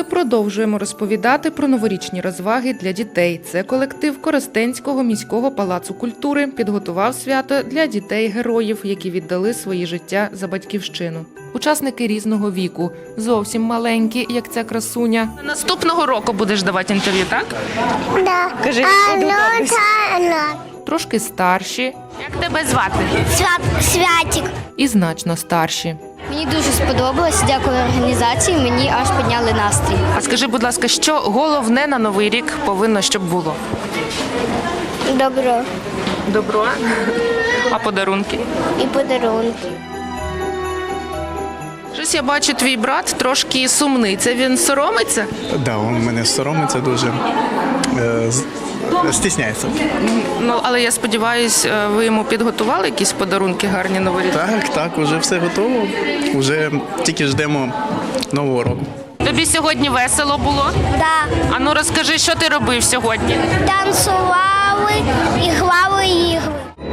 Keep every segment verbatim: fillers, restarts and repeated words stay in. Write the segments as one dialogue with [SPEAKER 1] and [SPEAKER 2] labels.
[SPEAKER 1] Ми продовжуємо розповідати про новорічні розваги для дітей. Це колектив Коростенського міського палацу культури підготував свято для дітей-героїв, які віддали свої життя за батьківщину. Учасники різного віку, зовсім маленькі, як ця красуня. Наступного року будеш давати інтерв'ю, так?
[SPEAKER 2] Да.
[SPEAKER 3] Кажи,
[SPEAKER 2] а,
[SPEAKER 3] буду
[SPEAKER 2] ну,
[SPEAKER 3] добре.
[SPEAKER 2] та, ну.
[SPEAKER 1] Трошки старші. Як тебе звати?
[SPEAKER 2] Свят, святик.
[SPEAKER 1] І значно старші.
[SPEAKER 4] Мені дуже сподобалось, дякую організації, мені аж підняли настрій.
[SPEAKER 1] А скажи, будь ласка, що головне на Новий рік повинно, щоб було?
[SPEAKER 2] Добро.
[SPEAKER 1] Добро. А подарунки?
[SPEAKER 2] І подарунки.
[SPEAKER 1] Щось я бачу, твій брат трошки сумний. Це він соромиться?
[SPEAKER 5] Да, він мене соромиться дуже, е, з- стісняється.
[SPEAKER 1] Ну, але я сподіваюся, ви йому підготували якісь подарунки гарні новорічні?
[SPEAKER 5] Так, так, уже все готово. Уже тільки ждемо нового року.
[SPEAKER 1] Тобі сьогодні весело було?
[SPEAKER 2] Да.
[SPEAKER 1] А ну розкажи, що ти робив сьогодні?
[SPEAKER 2] Танцювали і грали ігри.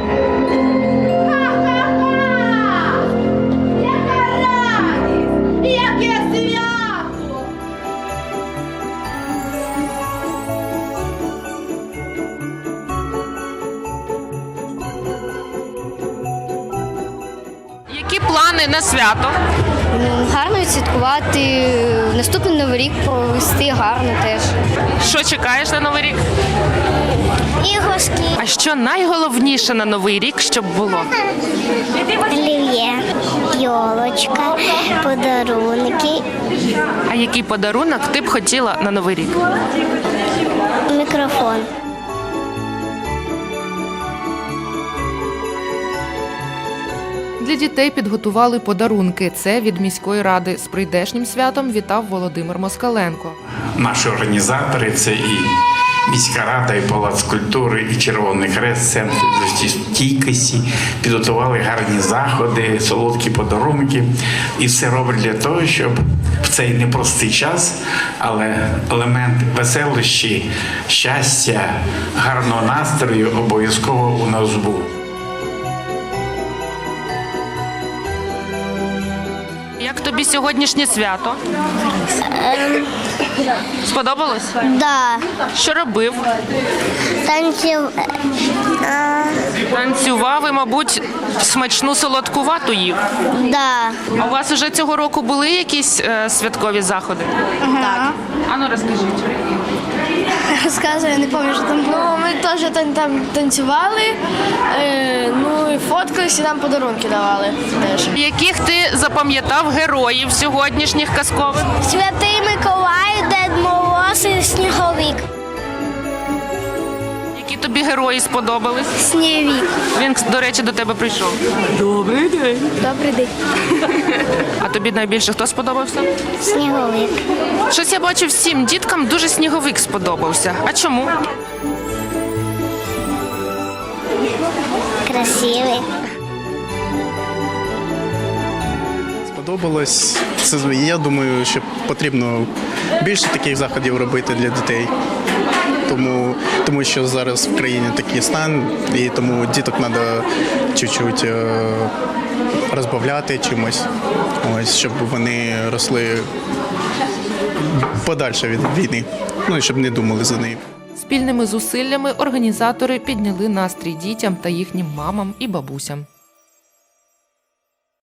[SPEAKER 1] Які плани на свято?
[SPEAKER 4] Ну, гарно відсвяткувати, наступний Новий рік провести гарно теж.
[SPEAKER 1] Що чекаєш на Новий рік?
[SPEAKER 2] Іграшки.
[SPEAKER 1] А що найголовніше на Новий рік, щоб було?
[SPEAKER 2] Олів'є. Йолочка. Подарунки.
[SPEAKER 1] А який подарунок ти б хотіла на Новий рік?
[SPEAKER 2] Мікрофон.
[SPEAKER 1] Для дітей підготували подарунки. Це від міської ради. З прийдешнім святом вітав Володимир Москаленко.
[SPEAKER 6] Наші організатори – це і міська рада, і Палац культури, і Червоний Хрест, Центр життєстійкості підготували гарні заходи, солодкі подарунки. І все роблять для того, щоб в цей непростий час, але елемент веселощі, щастя, гарного настрою обов'язково у нас був.
[SPEAKER 1] Як тобі сьогоднішнє свято? Сподобалось?
[SPEAKER 2] Да.
[SPEAKER 1] Що робив?
[SPEAKER 2] Танцюв. А,
[SPEAKER 1] Танцював і, мабуть, смачну солодкувату їв.
[SPEAKER 2] да.
[SPEAKER 1] А у вас уже цього року були якісь е, святкові заходи?
[SPEAKER 4] Так.
[SPEAKER 1] А ну розкажіть.
[SPEAKER 7] Розказую, не пам'ятаю, що там було. Ми теж там, там танцювали, е, ну і фоткались, і нам подарунки давали теж.
[SPEAKER 1] Яких ти запам'ятав героїв сьогоднішніх казкових?
[SPEAKER 2] Святий Миколай, Дед Мороз і Сніговик.
[SPEAKER 1] Які тобі герої сподобались?
[SPEAKER 2] Сніговик.
[SPEAKER 1] Він, до речі, до тебе прийшов.
[SPEAKER 7] Добрий день.
[SPEAKER 1] А тобі найбільше хто сподобався?
[SPEAKER 2] Сніговик.
[SPEAKER 1] Щось я бачу, всім діткам дуже сніговик сподобався. А чому?
[SPEAKER 2] Красивий.
[SPEAKER 5] Сподобалось. Це, я думаю, що потрібно більше таких заходів робити для дітей. Тому, тому що зараз в країні такий стан, і тому діток треба чуть-чуть е, розбавляти чимось, ось, щоб вони росли подальше від війни, ну і щоб не думали за неї.
[SPEAKER 1] Спільними зусиллями організатори підняли настрій дітям та їхнім мамам і бабусям.